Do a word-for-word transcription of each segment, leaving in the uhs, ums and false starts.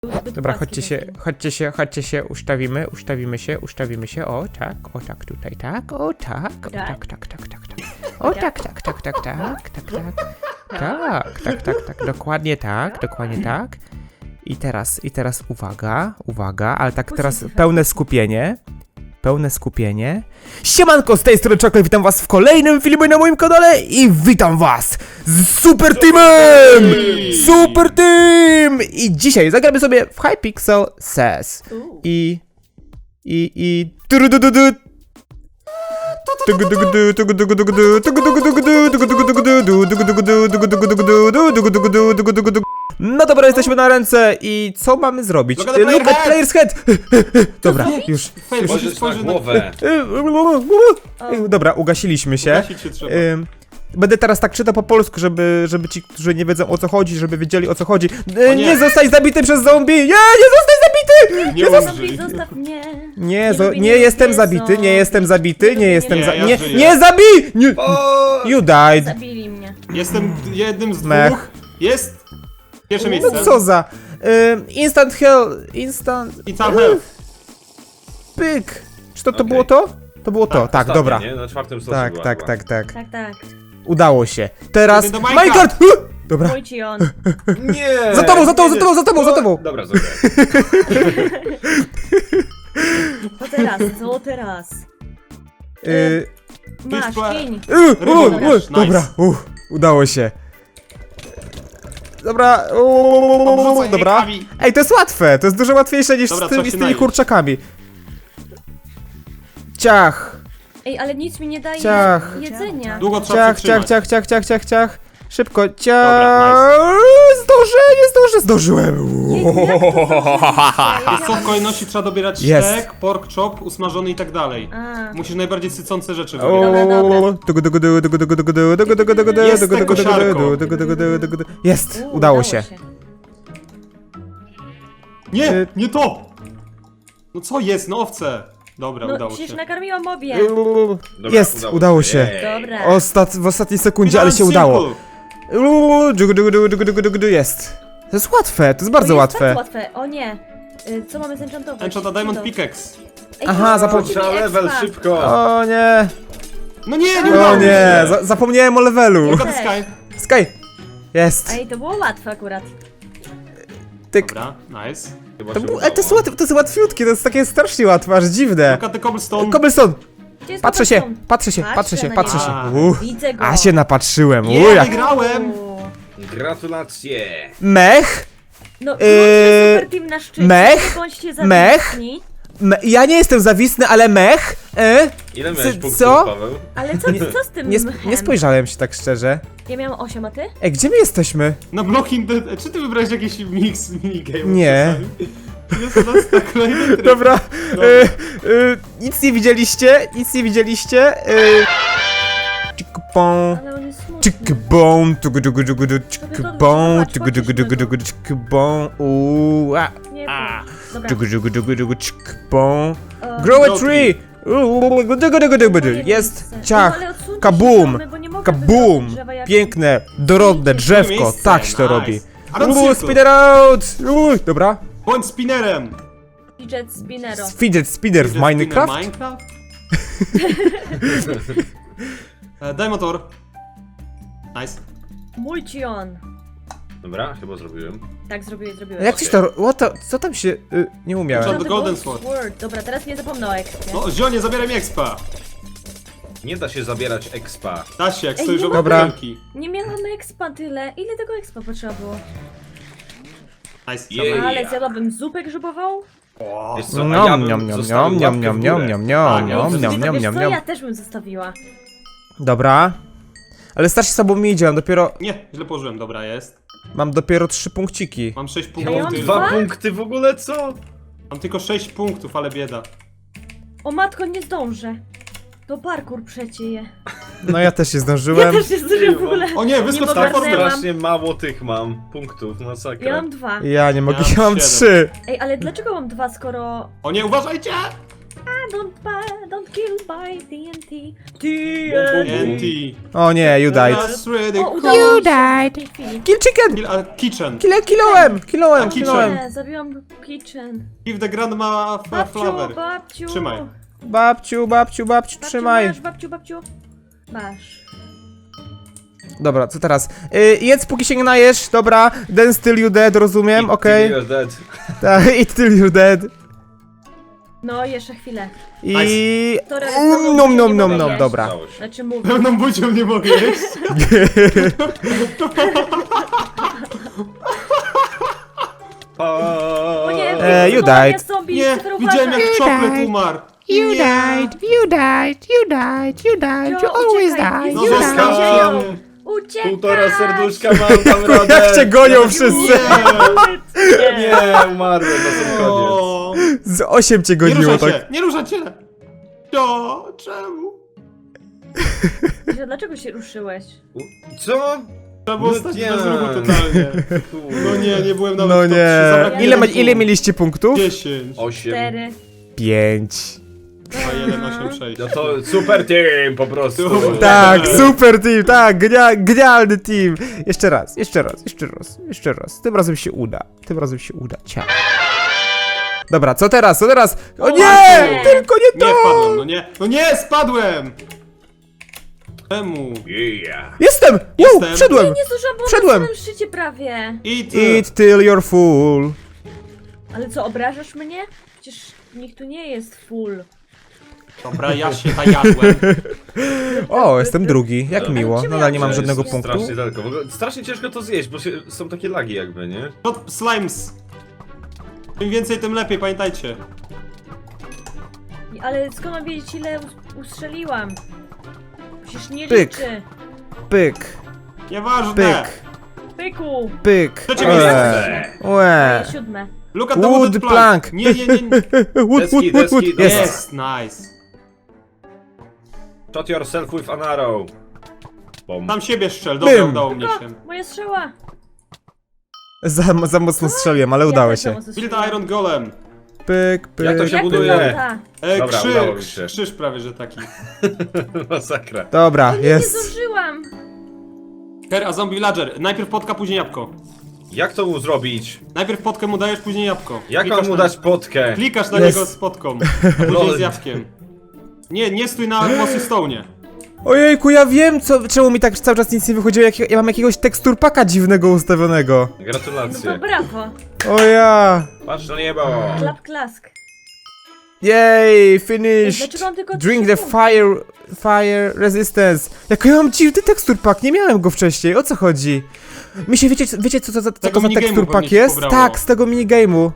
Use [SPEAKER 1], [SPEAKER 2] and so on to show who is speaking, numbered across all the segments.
[SPEAKER 1] Dobra, chodźcie się, chodźcie się, chodźcie się, ustawimy, ustawimy się, ustawimy się, o tak, o tak tutaj, tak, o tak, o tak, tak, tak, tak, tak, o tak, tak, tak, tak, tak, tak, tak, tak, tak, tak, tak, dokładnie tak, dokładnie tak. I teraz, i teraz uwaga, uwaga, ale tak teraz pełne skupienie. Pełne skupienie. Siemanko, z tej strony Czoklet, witam was w kolejnym filmie na moim kanale i witam was z Super Teamem! Super Team! I dzisiaj zagramy sobie w Hypixel S E S. I... I... I... turudududu. No dobra, jesteśmy na ręce i co mamy zrobić?
[SPEAKER 2] Look at the
[SPEAKER 1] Look at player's head! Dobra, już.
[SPEAKER 2] Spojrzysz na głowę.
[SPEAKER 1] Dobra, ugasiliśmy się.
[SPEAKER 2] Ugasić się trzeba.
[SPEAKER 1] Ym, Będę teraz tak czytał po polsku, żeby, żeby ci, którzy nie wiedzą o co chodzi, żeby wiedzieli o co chodzi. E, nie. nie zostaj zabity przez zombie! Nie, nie zostaj zabity!
[SPEAKER 2] Nie
[SPEAKER 1] zosta-
[SPEAKER 2] umrzyj.
[SPEAKER 3] Zostaw mnie.
[SPEAKER 1] Nie,
[SPEAKER 3] Nie
[SPEAKER 1] zo-
[SPEAKER 3] lubię,
[SPEAKER 1] nie
[SPEAKER 3] nie
[SPEAKER 1] jestem
[SPEAKER 3] lubię
[SPEAKER 1] zabity, nie jestem zabity, nie
[SPEAKER 3] lubię,
[SPEAKER 1] jestem
[SPEAKER 3] nie
[SPEAKER 1] za...
[SPEAKER 2] lubię.
[SPEAKER 1] Nie,
[SPEAKER 2] Ja żyję.
[SPEAKER 1] nie zabij! Nie.
[SPEAKER 2] O!
[SPEAKER 1] You died.
[SPEAKER 3] Zabili mnie.
[SPEAKER 2] Jestem jednym z
[SPEAKER 1] Mech.
[SPEAKER 2] dwóch. Jest pierwsze
[SPEAKER 1] No
[SPEAKER 2] miejsce.
[SPEAKER 1] co za... Ym, instant hell... Instant...
[SPEAKER 2] I tam health.
[SPEAKER 1] Pyk! Czy to, to
[SPEAKER 4] Okej.
[SPEAKER 1] było to? To było to, tak,
[SPEAKER 4] Ostatnia,
[SPEAKER 1] dobra.
[SPEAKER 4] Nie? Na czwartym stosie
[SPEAKER 1] Tak,
[SPEAKER 4] była
[SPEAKER 1] tak,
[SPEAKER 4] chyba.
[SPEAKER 1] tak, tak.
[SPEAKER 3] Tak, tak.
[SPEAKER 1] Udało się. Teraz...
[SPEAKER 2] Idę do Minecraft.
[SPEAKER 1] Minecraft! Huh! Dobra.
[SPEAKER 3] Mój ci on.
[SPEAKER 4] Nie!
[SPEAKER 1] Za tobą, za tobą, za
[SPEAKER 4] nie,
[SPEAKER 1] tobą, za tobą, za tobą!
[SPEAKER 4] Dobra, dobra.
[SPEAKER 3] Co teraz? Co teraz?
[SPEAKER 1] Yy,
[SPEAKER 3] Masz,
[SPEAKER 2] Pitch
[SPEAKER 3] kiń.
[SPEAKER 1] yy,
[SPEAKER 2] Rybą
[SPEAKER 1] u, u,
[SPEAKER 2] grasz, nice.
[SPEAKER 1] dobra, u, udało się. Dobra, u,
[SPEAKER 2] Obrzucaj
[SPEAKER 1] dobra.
[SPEAKER 2] rękami.
[SPEAKER 1] Ej, to jest łatwe, to jest dużo łatwiejsze niż
[SPEAKER 2] Dobra,
[SPEAKER 1] z, tym,
[SPEAKER 2] trzeba
[SPEAKER 1] z
[SPEAKER 2] się
[SPEAKER 1] tymi
[SPEAKER 2] najeść.
[SPEAKER 1] kurczakami. Ciach,
[SPEAKER 3] Ej, ale nic mi nie daje
[SPEAKER 1] Ciach.
[SPEAKER 3] jedzenia.
[SPEAKER 2] Długo trzeba
[SPEAKER 1] ciach,
[SPEAKER 2] przytrzymać.
[SPEAKER 1] ciach, ciach, ciach, ciach, ciach, ciach. Szybko,
[SPEAKER 2] Dobra,
[SPEAKER 1] ciach. Zdążę, nie zdążę, zdążyłem.
[SPEAKER 3] Nie, jak to zdążyłeś?
[SPEAKER 2] Jest co w kolejności trzeba dobierać
[SPEAKER 1] Jest.
[SPEAKER 2] sztek, pork chop, usmażony i tak dalej.
[SPEAKER 3] A.
[SPEAKER 2] Musisz najbardziej sycące rzeczy
[SPEAKER 1] O,
[SPEAKER 2] wybierać.
[SPEAKER 3] Dobra, dobra.
[SPEAKER 2] Jest te kosiarko.
[SPEAKER 1] Jest,
[SPEAKER 3] U,
[SPEAKER 1] udało się.
[SPEAKER 2] Nie, nie to! No co jest, no owce. Dobra,
[SPEAKER 3] No
[SPEAKER 2] udało
[SPEAKER 3] przecież
[SPEAKER 2] się.
[SPEAKER 3] nakarmiłam obie.
[SPEAKER 4] Dobra,
[SPEAKER 1] Jest, udało się.
[SPEAKER 4] Ej.
[SPEAKER 3] Dobra.
[SPEAKER 1] Ostat, w ostatniej sekundzie, ale się
[SPEAKER 2] Simple.
[SPEAKER 1] udało. Uuu, dżugu, dżugu, dżugu, dżugu, dżugu, dżugu, Jest. To jest łatwe, to jest bardzo
[SPEAKER 3] To jest
[SPEAKER 1] łatwe.
[SPEAKER 3] Bardzo łatwe. O nie. Y, Co mamy z enchantować?
[SPEAKER 2] Enchant Diamond
[SPEAKER 3] Co to?
[SPEAKER 2] Pickaxe.
[SPEAKER 3] Ej,
[SPEAKER 1] Aha,
[SPEAKER 3] to-
[SPEAKER 1] zapom-
[SPEAKER 3] to
[SPEAKER 4] Trzeba
[SPEAKER 3] mi
[SPEAKER 4] level,
[SPEAKER 3] expa.
[SPEAKER 4] szybko!
[SPEAKER 1] O nie,
[SPEAKER 2] No nie, nie
[SPEAKER 1] o
[SPEAKER 2] udało mi
[SPEAKER 1] nie,
[SPEAKER 2] się.
[SPEAKER 1] za zapomniałem o levelu.
[SPEAKER 2] Look at the sky.
[SPEAKER 1] Sky, jest.
[SPEAKER 3] Ej, to było łatwe akurat.
[SPEAKER 1] Tyk.
[SPEAKER 2] Dobra, nice.
[SPEAKER 4] Chyba
[SPEAKER 1] To,
[SPEAKER 4] się
[SPEAKER 1] był,
[SPEAKER 4] udało.
[SPEAKER 1] e, to, jest łatwe, to jest łatwiutkie, to jest takie strasznie łatwe, aż dziwne.
[SPEAKER 2] Look at the cobblestone.
[SPEAKER 1] Cobblestone,
[SPEAKER 3] Gdzie jest
[SPEAKER 1] patrzę się,
[SPEAKER 3] cobblestone?
[SPEAKER 1] patrzę się,
[SPEAKER 3] Patrzę
[SPEAKER 1] patrzę się,
[SPEAKER 3] na
[SPEAKER 1] patrzę
[SPEAKER 3] niego.
[SPEAKER 1] się.
[SPEAKER 2] A.
[SPEAKER 1] Uff,
[SPEAKER 3] Widzę go.
[SPEAKER 1] a się napatrzyłem,
[SPEAKER 2] Nie,
[SPEAKER 1] uja.
[SPEAKER 2] wygrałem.
[SPEAKER 3] U.
[SPEAKER 4] Gratulacje!
[SPEAKER 1] Mech,
[SPEAKER 3] No,
[SPEAKER 1] Yy,
[SPEAKER 3] super team na szczycie.
[SPEAKER 1] mech,
[SPEAKER 3] bądźcie
[SPEAKER 1] mech.
[SPEAKER 3] zawisni.
[SPEAKER 1] me, ja nie jestem zawisny, ale mech, e?
[SPEAKER 4] Ile miałeś
[SPEAKER 1] C-
[SPEAKER 4] punktów,
[SPEAKER 1] co?
[SPEAKER 4] Paweł?
[SPEAKER 3] Ale co, co z tym
[SPEAKER 1] Nie, sp
[SPEAKER 3] mchem?
[SPEAKER 1] nie spojrzałem się tak szczerze.
[SPEAKER 3] Ja miałam osiem, a ty?
[SPEAKER 1] Ej, gdzie my jesteśmy?
[SPEAKER 2] Na blocking the... Czy ty wybrałeś jakiś mix minigame?
[SPEAKER 1] Nie.
[SPEAKER 2] Jest to nas na kolejny tryb.
[SPEAKER 1] Dobra,
[SPEAKER 2] Dobra.
[SPEAKER 1] e, e, nic nie widzieliście, nic nie widzieliście. E, Czykbą,
[SPEAKER 3] Ale on jest smutny.
[SPEAKER 1] czykbą, tugu dugu dugu du, czykbą, tugu dugu dugu dugu du, czykbą, uuu, a,
[SPEAKER 3] Nie,
[SPEAKER 1] a,
[SPEAKER 3] dobra.
[SPEAKER 1] dugu dugu dugu dugu, czykbą.
[SPEAKER 3] E,
[SPEAKER 1] Grow a
[SPEAKER 2] Grow
[SPEAKER 1] tree! Uuu, dugu dugu dugu dugu du. Jest, ciach,
[SPEAKER 3] No, ale odsuńcie się
[SPEAKER 1] kabum,
[SPEAKER 3] domy, bo nie mogę
[SPEAKER 1] kabum,
[SPEAKER 3] wybrać drzewa jak-
[SPEAKER 1] piękne, dorodne drzewko,
[SPEAKER 2] Miejsce,
[SPEAKER 1] tak się to
[SPEAKER 2] nice.
[SPEAKER 1] robi.
[SPEAKER 2] Aaron
[SPEAKER 1] Uuu,
[SPEAKER 2] Circle.
[SPEAKER 1] spinner out! Uuu, dobra.
[SPEAKER 2] Bądź spinnerem.
[SPEAKER 3] Fidget spinnero.
[SPEAKER 1] Fidget spinner w
[SPEAKER 2] Fidget spinner
[SPEAKER 1] Minecraft?
[SPEAKER 2] Minecraft? E, Daj motor. Nice.
[SPEAKER 3] Mój ci on.
[SPEAKER 4] Dobra, chyba zrobiłem.
[SPEAKER 3] Tak, zrobiłeś, zrobiłeś.
[SPEAKER 1] Jak coś to, what the, co tam się, y, nie umiałem.
[SPEAKER 2] John-
[SPEAKER 3] The
[SPEAKER 2] The Golden
[SPEAKER 3] Gold
[SPEAKER 2] Sword.
[SPEAKER 3] Dobra, teraz nie zapomnę o ekspie.
[SPEAKER 2] No, zionie, zabieraj mi expa.
[SPEAKER 4] Nie da się zabierać expa.
[SPEAKER 2] Da się, jak
[SPEAKER 3] Ej,
[SPEAKER 2] stoisz
[SPEAKER 3] nie
[SPEAKER 2] obok
[SPEAKER 1] Dobra.
[SPEAKER 2] wielki.
[SPEAKER 3] Nie miałam expa tyle. Ile tego expa potrzeba było?
[SPEAKER 2] Nice.
[SPEAKER 4] Jej.
[SPEAKER 2] dawaj.
[SPEAKER 3] Ale zjadłabym zupę grzybową?
[SPEAKER 4] Wiesz co, a
[SPEAKER 1] Niam,
[SPEAKER 4] ja
[SPEAKER 1] niam,
[SPEAKER 4] bym
[SPEAKER 1] niam,
[SPEAKER 4] zostawił
[SPEAKER 1] niam,
[SPEAKER 4] łapkę
[SPEAKER 1] niam,
[SPEAKER 4] w
[SPEAKER 1] niam,
[SPEAKER 4] górę.
[SPEAKER 1] niam, niam,
[SPEAKER 2] Tak,
[SPEAKER 1] niam,
[SPEAKER 2] wiesz
[SPEAKER 1] niam,
[SPEAKER 3] Wiesz
[SPEAKER 1] niam,
[SPEAKER 3] co,
[SPEAKER 1] niam,
[SPEAKER 3] ja
[SPEAKER 1] niam.
[SPEAKER 3] też bym zostawiła.
[SPEAKER 1] Dobra. Ale strasznie słabo mi idzie, mam dopiero,
[SPEAKER 2] Nie, źle położyłem, dobra, jest.
[SPEAKER 1] mam dopiero trzy punkciki.
[SPEAKER 2] Mam sześć
[SPEAKER 3] Ja
[SPEAKER 2] punktów.
[SPEAKER 3] mam
[SPEAKER 2] tylko.
[SPEAKER 3] dwa?
[SPEAKER 4] Dwa punkty w ogóle, co?
[SPEAKER 2] Mam tylko sześć punktów, ale bieda.
[SPEAKER 3] O matko, nie zdążę. To parkour przecieje.
[SPEAKER 1] No ja też się
[SPEAKER 3] Ja
[SPEAKER 1] zdążyłem.
[SPEAKER 3] też nie zdążyłam w ogóle.
[SPEAKER 2] O nie, wyskocz
[SPEAKER 3] Nie
[SPEAKER 2] tak
[SPEAKER 3] ogarnęłam.
[SPEAKER 2] formę.
[SPEAKER 4] Strasznie mało tych mam punktów, masakra.
[SPEAKER 3] Ja mam dwa.
[SPEAKER 1] Ja nie mogę,
[SPEAKER 2] Ja mam
[SPEAKER 1] ja mam
[SPEAKER 2] siedem.
[SPEAKER 1] trzy.
[SPEAKER 3] Ej, ale dlaczego mam dwa, skoro...
[SPEAKER 2] O nie, uważajcie!
[SPEAKER 3] I don't, buy, don't kill by T N T. T
[SPEAKER 2] N T.
[SPEAKER 1] O nie, you died.
[SPEAKER 2] That's really
[SPEAKER 3] O,
[SPEAKER 2] cool.
[SPEAKER 3] udało
[SPEAKER 1] You
[SPEAKER 3] mi się
[SPEAKER 1] died.
[SPEAKER 3] w tej chwili.
[SPEAKER 1] Kill chicken!
[SPEAKER 2] Kill, a, kitchen.
[SPEAKER 1] Kile, kilołem, kilołem,
[SPEAKER 2] A, kitchen.
[SPEAKER 1] kilołem.
[SPEAKER 3] Nie, zabiłam kitchen.
[SPEAKER 2] Give the grandma f-
[SPEAKER 3] Babciu,
[SPEAKER 2] flower.
[SPEAKER 3] babciu.
[SPEAKER 2] Trzymaj.
[SPEAKER 1] Babciu, babciu, babciu,
[SPEAKER 3] Babciu,
[SPEAKER 1] trzymaj.
[SPEAKER 3] Masz, babciu, babciu. Masz.
[SPEAKER 1] Dobra, co teraz? Y, jedz póki się nie najesz, dobra. Dance till you dead, rozumiem, okej.
[SPEAKER 4] You're dead.
[SPEAKER 1] Tak, eat till you're dead.
[SPEAKER 3] No, jeszcze chwilę.
[SPEAKER 1] I...
[SPEAKER 3] Sorry, ale
[SPEAKER 1] Um,
[SPEAKER 3] znowu
[SPEAKER 1] nom,
[SPEAKER 3] nie
[SPEAKER 1] nom,
[SPEAKER 3] mogę
[SPEAKER 1] nom, nom,
[SPEAKER 3] jeść.
[SPEAKER 1] dobra.
[SPEAKER 4] Udało się.
[SPEAKER 3] Znaczy mówię.
[SPEAKER 2] Pełną buzią nie mogę jeść.
[SPEAKER 3] O nie,
[SPEAKER 1] E, you
[SPEAKER 3] no,
[SPEAKER 1] died.
[SPEAKER 3] jest zombie,
[SPEAKER 2] Nie,
[SPEAKER 3] super
[SPEAKER 2] widziałem
[SPEAKER 3] uważaj.
[SPEAKER 2] jak czoklet umarł.
[SPEAKER 1] You
[SPEAKER 2] Nie.
[SPEAKER 1] died, you died, you died, you died, you
[SPEAKER 3] Jo,
[SPEAKER 1] always
[SPEAKER 3] uciekaj,
[SPEAKER 1] die,
[SPEAKER 2] No
[SPEAKER 1] you
[SPEAKER 3] uciekaj.
[SPEAKER 1] died.
[SPEAKER 4] Zostawam!
[SPEAKER 3] Uciekaj!
[SPEAKER 4] Półtora serduszka mam, tam radę!
[SPEAKER 1] Jak cię gonią wszyscy!
[SPEAKER 3] Nie.
[SPEAKER 4] Nie, umarłem na sam koniec.
[SPEAKER 2] O,
[SPEAKER 1] Z osiem cię
[SPEAKER 2] nie
[SPEAKER 1] goniło,
[SPEAKER 2] ruszaj
[SPEAKER 1] tak?
[SPEAKER 2] się, nie ruszaj się. Jo, czemu?
[SPEAKER 3] Że Dlaczego się ruszyłeś?
[SPEAKER 4] U- Co?
[SPEAKER 2] Trzeba było
[SPEAKER 4] No
[SPEAKER 2] stać
[SPEAKER 4] nie.
[SPEAKER 2] bez ruchu totalnie. No nie, nie byłem nawet
[SPEAKER 1] No
[SPEAKER 2] w top
[SPEAKER 1] nie.
[SPEAKER 2] trzy, zabraknie
[SPEAKER 1] Ile, ma,
[SPEAKER 2] punktu.
[SPEAKER 1] ile mieliście punktów?
[SPEAKER 2] dziesięć.
[SPEAKER 4] Osiem.
[SPEAKER 3] Cztery.
[SPEAKER 1] Pięć.
[SPEAKER 2] A jeden, osiem, sześć.
[SPEAKER 4] No to super team po prostu.
[SPEAKER 2] Super.
[SPEAKER 1] Tak, super team, tak, genia, genialny team. Jeszcze raz, jeszcze raz, jeszcze raz, jeszcze raz. Tym razem się uda, tym razem się uda. Cia. Dobra, co teraz, co teraz? O nie,
[SPEAKER 3] nie.
[SPEAKER 1] tylko nie
[SPEAKER 2] Nie
[SPEAKER 1] to!
[SPEAKER 2] wpadłem, no nie. No nie, spadłem! Czemu?
[SPEAKER 4] Yeah.
[SPEAKER 1] Jestem! Wow,
[SPEAKER 2] Jestem.
[SPEAKER 1] wszedłem!
[SPEAKER 3] Nie zdążyłam, bo
[SPEAKER 1] Wszedłem.
[SPEAKER 3] na samym szczycie prawie.
[SPEAKER 2] Eat.
[SPEAKER 1] Eat till you're full.
[SPEAKER 3] Ale co, obrażasz mnie? Przecież nikt tu nie jest full.
[SPEAKER 2] Dobra, ja się najadłem.
[SPEAKER 1] O, jestem drugi, jak
[SPEAKER 4] Ale
[SPEAKER 1] miło.
[SPEAKER 3] cię
[SPEAKER 1] Nadal nie mam
[SPEAKER 3] miałeś.
[SPEAKER 1] żadnego
[SPEAKER 3] Jest
[SPEAKER 1] punktu.
[SPEAKER 4] Strasznie daleko. W ogóle strasznie ciężko to zjeść, bo się, są takie lagi jakby, nie?
[SPEAKER 2] Shot slimes. Im więcej, tym lepiej, pamiętajcie.
[SPEAKER 3] Ale skąd mam wiedzieć, ile us- ustrzeliłam? Przecież nie
[SPEAKER 1] Pyk.
[SPEAKER 3] liczy.
[SPEAKER 1] Pyk,
[SPEAKER 2] Nieważne.
[SPEAKER 1] pyk,
[SPEAKER 3] Pyku.
[SPEAKER 1] pyk.
[SPEAKER 2] Trzecie
[SPEAKER 1] Eee,
[SPEAKER 2] miejsce.
[SPEAKER 1] Łe.
[SPEAKER 3] Moje siódme.
[SPEAKER 2] Look at the
[SPEAKER 1] Wood
[SPEAKER 2] wooded plank.
[SPEAKER 1] plank.
[SPEAKER 2] Nie, nie, nie. nie.
[SPEAKER 1] Wood,
[SPEAKER 4] Deski,
[SPEAKER 1] wood, wood, wood.
[SPEAKER 4] deski,
[SPEAKER 1] Jest.
[SPEAKER 2] Yes, nice.
[SPEAKER 4] Shot yourself with an arrow. Bom.
[SPEAKER 2] Tam siebie strzel, dobra,
[SPEAKER 1] Bym.
[SPEAKER 2] udało mnie
[SPEAKER 3] O,
[SPEAKER 2] się.
[SPEAKER 3] moja strzała.
[SPEAKER 1] Za, za mocno strzeliłem, ale udało
[SPEAKER 3] Ja też
[SPEAKER 1] się.
[SPEAKER 3] za mocno
[SPEAKER 2] Build
[SPEAKER 3] strzeliłam.
[SPEAKER 2] Iron Golem.
[SPEAKER 1] Pyk, pyk.
[SPEAKER 4] Jak to się
[SPEAKER 3] Jak
[SPEAKER 4] buduje?
[SPEAKER 3] wygląda?
[SPEAKER 2] E,
[SPEAKER 4] Dobra,
[SPEAKER 2] krzyż,
[SPEAKER 4] udało mi się.
[SPEAKER 2] krzyż prawie, że taki.
[SPEAKER 4] Masakra.
[SPEAKER 1] Dobra,
[SPEAKER 3] Nie, nie
[SPEAKER 1] jest.
[SPEAKER 3] zdążyłam.
[SPEAKER 2] Her, a zombie villager. Najpierw potka, później jabłko.
[SPEAKER 4] Jak to mu zrobić?
[SPEAKER 2] Najpierw potkę mu dajesz, później jabłko.
[SPEAKER 4] Jak
[SPEAKER 2] Klikasz
[SPEAKER 4] mam mu
[SPEAKER 2] na-
[SPEAKER 4] dać potkę?
[SPEAKER 2] Klikasz na
[SPEAKER 1] Jest.
[SPEAKER 2] niego z potką, a później
[SPEAKER 4] Lol.
[SPEAKER 2] z jabłkiem. Nie, nie stój na mossy stone'ie.
[SPEAKER 1] Ojejku, ja wiem, co, czemu mi tak cały czas nic nie wychodziło, jak ja mam jakiegoś teksturpaka dziwnego ustawionego.
[SPEAKER 3] No to
[SPEAKER 4] Gratulacje.
[SPEAKER 3] brawo.
[SPEAKER 1] O ja!
[SPEAKER 4] Patrz na niebo.
[SPEAKER 3] Klap klask.
[SPEAKER 1] Jej,
[SPEAKER 3] Dlaczego
[SPEAKER 1] finished!
[SPEAKER 3] mam tylko
[SPEAKER 1] Drink
[SPEAKER 3] trzy
[SPEAKER 1] the
[SPEAKER 3] punkty?
[SPEAKER 1] fire, fire resistance. Jak ja mam dziwny teksturpak, nie miałem go wcześniej, o co chodzi? Mi się, wiecie, wiecie co, co, co
[SPEAKER 2] Tego
[SPEAKER 1] to za
[SPEAKER 2] minigame'u
[SPEAKER 1] teksturpak
[SPEAKER 2] pewnie ci
[SPEAKER 1] jest?
[SPEAKER 2] pobrało.
[SPEAKER 1] Tak, z tego minigame'u.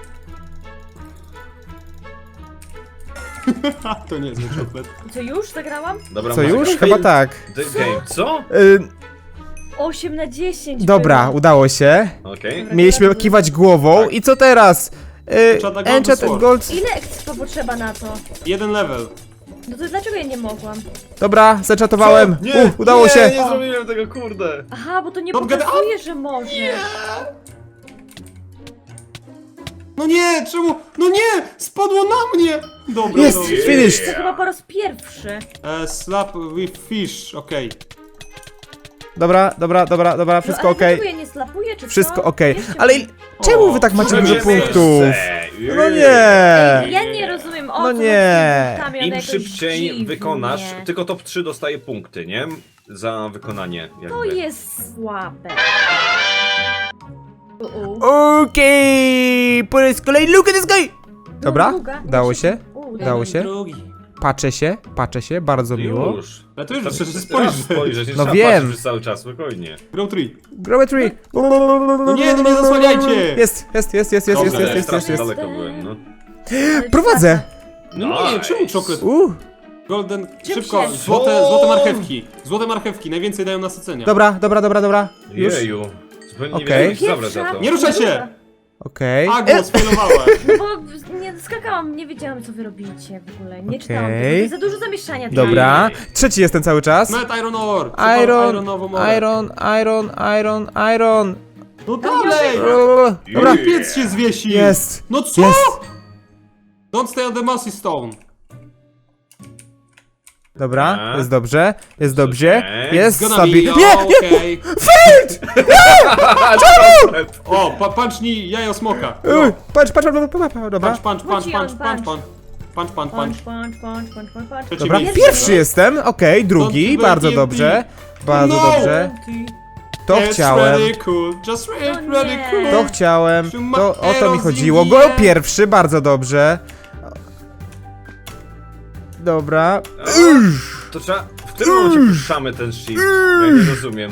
[SPEAKER 2] Ha, to nie jest czoklet.
[SPEAKER 3] Co, już zagrałam?
[SPEAKER 4] Dobra,
[SPEAKER 1] Co
[SPEAKER 4] masakra.
[SPEAKER 1] już? Chyba tak.
[SPEAKER 4] The game. Co?
[SPEAKER 1] Y,
[SPEAKER 3] osiem na dziesięć
[SPEAKER 1] dobra,
[SPEAKER 3] było.
[SPEAKER 1] udało się.
[SPEAKER 4] Okej.
[SPEAKER 3] Dobra.
[SPEAKER 1] Mieliśmy kiwać głową
[SPEAKER 4] Tak.
[SPEAKER 1] i co teraz? Y,
[SPEAKER 2] Enchant a gold
[SPEAKER 1] Enchant
[SPEAKER 2] sword.
[SPEAKER 1] Gold.
[SPEAKER 3] Ile expo potrzeba na to?
[SPEAKER 2] Jeden level.
[SPEAKER 3] No to dlaczego ja nie mogłam?
[SPEAKER 1] Dobra, zaczatowałem.
[SPEAKER 4] Nie,
[SPEAKER 1] U, udało
[SPEAKER 4] nie,
[SPEAKER 1] się.
[SPEAKER 4] nie zrobiłem tego, kurde.
[SPEAKER 3] Aha, bo to nie
[SPEAKER 2] Don't get
[SPEAKER 3] pokazuje, że może.
[SPEAKER 2] No nie, czemu? No nie! Spadło na mnie! Dobra,
[SPEAKER 1] Jest,
[SPEAKER 2] dobra.
[SPEAKER 1] finished.
[SPEAKER 3] To chyba po raz pierwszy.
[SPEAKER 2] E, slap with fish, okej.
[SPEAKER 1] Dobra, dobra, dobra, dobra, wszystko
[SPEAKER 3] no, ale
[SPEAKER 1] okej.
[SPEAKER 3] dlaczego ja nie slapuję, czy
[SPEAKER 1] Wszystko
[SPEAKER 3] co?
[SPEAKER 1] okej.
[SPEAKER 3] Jeszcze
[SPEAKER 1] Ale
[SPEAKER 3] mi-
[SPEAKER 1] il- czemu wy tak macie
[SPEAKER 2] Trzecie
[SPEAKER 1] dużo
[SPEAKER 2] miejsce.
[SPEAKER 1] punktów?
[SPEAKER 4] Miejsce.
[SPEAKER 1] No
[SPEAKER 3] Ej,
[SPEAKER 1] nie!
[SPEAKER 3] ja nie rozumiem, o
[SPEAKER 1] No
[SPEAKER 3] co
[SPEAKER 1] nie.
[SPEAKER 3] chodzi z punktami, one
[SPEAKER 4] Im
[SPEAKER 3] jakoś
[SPEAKER 4] szybciej
[SPEAKER 3] dziwnie.
[SPEAKER 4] wykonasz, tylko top trzy dostaje punkty, nie? Za wykonanie. Jakby.
[SPEAKER 3] To jest słabe. U, u.
[SPEAKER 1] Okej, po raz kolejny, look at this guy! Dobra,
[SPEAKER 3] Długa.
[SPEAKER 1] dało się,
[SPEAKER 3] U,
[SPEAKER 1] dało się.
[SPEAKER 2] Drugi.
[SPEAKER 1] Patrzę się, patrzę się, bardzo miło.
[SPEAKER 4] Już.
[SPEAKER 2] Ale to już
[SPEAKER 4] Wystarczy
[SPEAKER 2] przecież
[SPEAKER 4] spojrzeć.
[SPEAKER 2] spojrzę.
[SPEAKER 4] spojrzeć. Nie
[SPEAKER 1] No
[SPEAKER 4] trzeba
[SPEAKER 1] wiem.
[SPEAKER 4] patrzeć przez cały czas, spokojnie.
[SPEAKER 2] Grow tree.
[SPEAKER 1] Grow a tree.
[SPEAKER 2] No nie, no nie zasłaniajcie!
[SPEAKER 1] Jest, jest, jest, jest, jest, jest,
[SPEAKER 4] Dobrze,
[SPEAKER 1] jest, jest,
[SPEAKER 4] strasznie
[SPEAKER 1] jest.
[SPEAKER 4] daleko byłem, no.
[SPEAKER 3] ale
[SPEAKER 1] Prowadzę.
[SPEAKER 2] No nie,
[SPEAKER 4] Nice.
[SPEAKER 2] czemu czoklet?
[SPEAKER 1] Uh,
[SPEAKER 2] Golden,
[SPEAKER 3] Czym
[SPEAKER 2] szybko,
[SPEAKER 3] się-
[SPEAKER 2] złote, złote marchewki. Złote marchewki, najwięcej dają nasycenia.
[SPEAKER 1] dobra, dobra, dobra, dobra. Już.
[SPEAKER 4] Jeju. Zupełnie nie
[SPEAKER 1] Okej.
[SPEAKER 4] wiedziałem, jak się zabrać za to.
[SPEAKER 2] Nie ruszaj się!
[SPEAKER 1] Okej.
[SPEAKER 2] A, głos failowała.
[SPEAKER 3] No bo nie skakałam, nie wiedziałam co wy robicie w ogóle. Nie czytałam
[SPEAKER 1] Okej.
[SPEAKER 3] tego. Za dużo zamieszania.
[SPEAKER 1] Dobra. Trzeci jestem cały czas.
[SPEAKER 2] Met Iron Ore. Trzeba
[SPEAKER 1] Iron,
[SPEAKER 2] ironową orę.
[SPEAKER 1] iron, iron, iron, iron.
[SPEAKER 2] No dalej!
[SPEAKER 1] Dobra,
[SPEAKER 2] Piec się zwiesi!
[SPEAKER 1] jest.
[SPEAKER 2] No co?
[SPEAKER 1] Jest.
[SPEAKER 2] Don't stay on the mossy stone.
[SPEAKER 1] Dobra,
[SPEAKER 4] Tak.
[SPEAKER 1] jest dobrze, jest dobrze,
[SPEAKER 4] Okej.
[SPEAKER 1] jest
[SPEAKER 2] Gonna
[SPEAKER 1] stabilnie.
[SPEAKER 2] be
[SPEAKER 1] Nie, nie!
[SPEAKER 2] okay.
[SPEAKER 4] Czemu?
[SPEAKER 2] O, pa pancznij jajo smoka.
[SPEAKER 1] Uj, Patrz, patrz, patrz, patrz, patrz, dobra.
[SPEAKER 2] Punch, punch, punch,
[SPEAKER 3] Wróci
[SPEAKER 2] punch,
[SPEAKER 3] on,
[SPEAKER 2] punch,
[SPEAKER 3] punch.
[SPEAKER 2] punch. Punch, punch, punch.
[SPEAKER 3] Punch, punch, punch, punch, punch, punch.
[SPEAKER 2] Trzeci
[SPEAKER 1] Dobra,
[SPEAKER 2] miejsce.
[SPEAKER 1] pierwszy jestem, okej, drugi,
[SPEAKER 2] Don't
[SPEAKER 1] bardzo
[SPEAKER 2] give me
[SPEAKER 1] dobrze,
[SPEAKER 2] T N T.
[SPEAKER 1] bardzo
[SPEAKER 2] No.
[SPEAKER 1] dobrze. To
[SPEAKER 2] It's
[SPEAKER 1] chciałem,
[SPEAKER 2] really cool. Just really,
[SPEAKER 3] No
[SPEAKER 2] really
[SPEAKER 3] nie.
[SPEAKER 2] cool.
[SPEAKER 1] to chciałem, to o to mi chodziło. Go
[SPEAKER 2] Erozja.
[SPEAKER 1] pierwszy, bardzo dobrze. Dobra.
[SPEAKER 4] To trzeba... W którym momencie puszczamy ten shift? Bo ja nie rozumiem.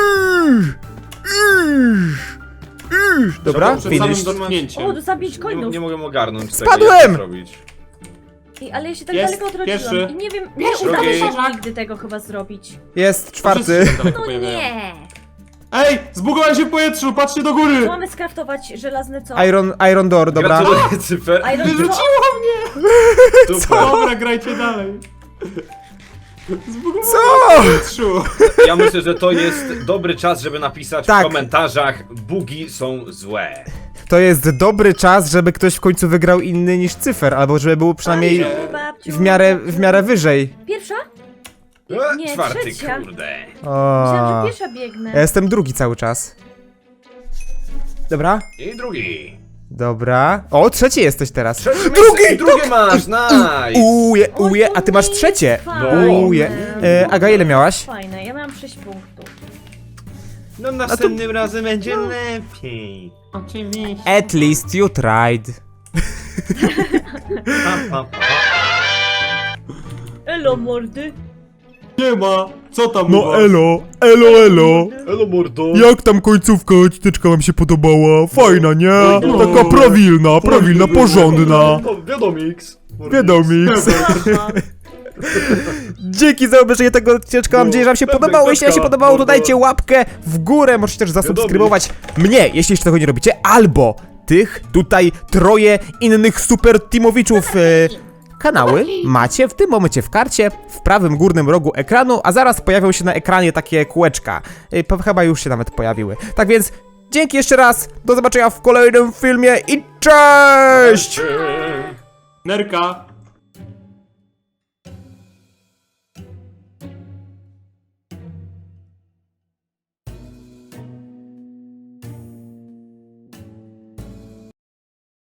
[SPEAKER 1] Dobra,
[SPEAKER 2] Przed samym
[SPEAKER 1] finish.
[SPEAKER 2] dotknięciem.
[SPEAKER 3] O, do zabić
[SPEAKER 4] Nie,
[SPEAKER 3] coinów.
[SPEAKER 4] nie mogę ogarnąć
[SPEAKER 1] Spadłem!
[SPEAKER 4] tego, jak to zrobić.
[SPEAKER 3] Ej, ale ja się tak
[SPEAKER 2] Jest,
[SPEAKER 3] daleko odrodziłam
[SPEAKER 2] pierwszy.
[SPEAKER 3] i nie wiem, nie
[SPEAKER 2] Pierwszy,
[SPEAKER 3] udało
[SPEAKER 4] drugi.
[SPEAKER 3] się nigdy tego chyba zrobić.
[SPEAKER 1] Jest
[SPEAKER 2] Wszyscy
[SPEAKER 1] czwarty.
[SPEAKER 2] się tak daleko
[SPEAKER 3] No
[SPEAKER 2] pojawiają.
[SPEAKER 3] nie!
[SPEAKER 2] Ej, zbugowałem się w powietrzu, patrzcie do
[SPEAKER 3] Co
[SPEAKER 2] góry!
[SPEAKER 3] mamy skraftować? Żelazny co?
[SPEAKER 1] Iron, Iron Door, dobra.
[SPEAKER 4] Gratuluję, Cyfer.
[SPEAKER 3] Iron co?
[SPEAKER 2] Wyrzuciło mnie!
[SPEAKER 4] Super.
[SPEAKER 2] Dobra, grajcie dalej. Zbugowałem
[SPEAKER 1] Co?
[SPEAKER 2] się w powietrzu.
[SPEAKER 4] Ja myślę, że to jest dobry czas, żeby napisać
[SPEAKER 1] Tak.
[SPEAKER 4] w komentarzach bugi są złe.
[SPEAKER 1] To jest dobry czas, żeby ktoś w końcu wygrał inny niż cyfer, albo żeby był przynajmniej
[SPEAKER 3] Babciu, babciu,
[SPEAKER 1] w miarę, w
[SPEAKER 3] babciu.
[SPEAKER 1] miarę wyżej.
[SPEAKER 3] Pierwsza?
[SPEAKER 4] E,
[SPEAKER 3] Nie,
[SPEAKER 4] Czwarty,
[SPEAKER 3] trzecia.
[SPEAKER 4] kurde.
[SPEAKER 3] Myślałam,
[SPEAKER 1] O,
[SPEAKER 3] że pierwsza biegnę.
[SPEAKER 1] ja jestem drugi cały czas. Dobra,
[SPEAKER 4] I drugi.
[SPEAKER 1] dobra. O, trzeci jesteś teraz.
[SPEAKER 4] Trzecie
[SPEAKER 1] Drugi!
[SPEAKER 4] miejsce i drugie masz, nice.
[SPEAKER 1] Uje,
[SPEAKER 3] Oj,
[SPEAKER 1] uje,
[SPEAKER 3] to
[SPEAKER 1] a ty masz
[SPEAKER 3] nie
[SPEAKER 1] trzecie.
[SPEAKER 3] jest fajne.
[SPEAKER 1] Uje. E, Aga, ile miałaś?
[SPEAKER 3] Fajne, ja miałam sześć punktów.
[SPEAKER 4] No następnym razem będzie lepiej.
[SPEAKER 2] Oczywiście.
[SPEAKER 1] At least you tried.
[SPEAKER 4] Pa, pa, pa.
[SPEAKER 3] Elo mordy.
[SPEAKER 2] Nie ma. Co tam u
[SPEAKER 1] No
[SPEAKER 2] was?
[SPEAKER 1] elo, elo, elo.
[SPEAKER 4] Elo mordo.
[SPEAKER 1] Jak tam końcówka odcineczka wam się podobała? Fajna, nie?
[SPEAKER 2] No.
[SPEAKER 1] Taka prawilna, prawilna, porządna.
[SPEAKER 4] O, Wiadomix.
[SPEAKER 1] Wiadomix.
[SPEAKER 3] Aha.
[SPEAKER 1] Dzięki za obejrzenie tego odcineczka, mam nadzieję, że wam się podobało. Jeśli wam się podobało, to dajcie łapkę w górę. Możecie też zasubskrybować mnie, jeśli jeszcze tego nie robicie, albo tych tutaj troje innych super teamowiczów. E, kanały macie w tym momencie w karcie, w prawym górnym rogu ekranu, a zaraz pojawią się na ekranie takie kółeczka. E, po- chyba już się nawet pojawiły. Tak więc dzięki jeszcze raz, do zobaczenia w kolejnym filmie i cześć!
[SPEAKER 2] Nerka.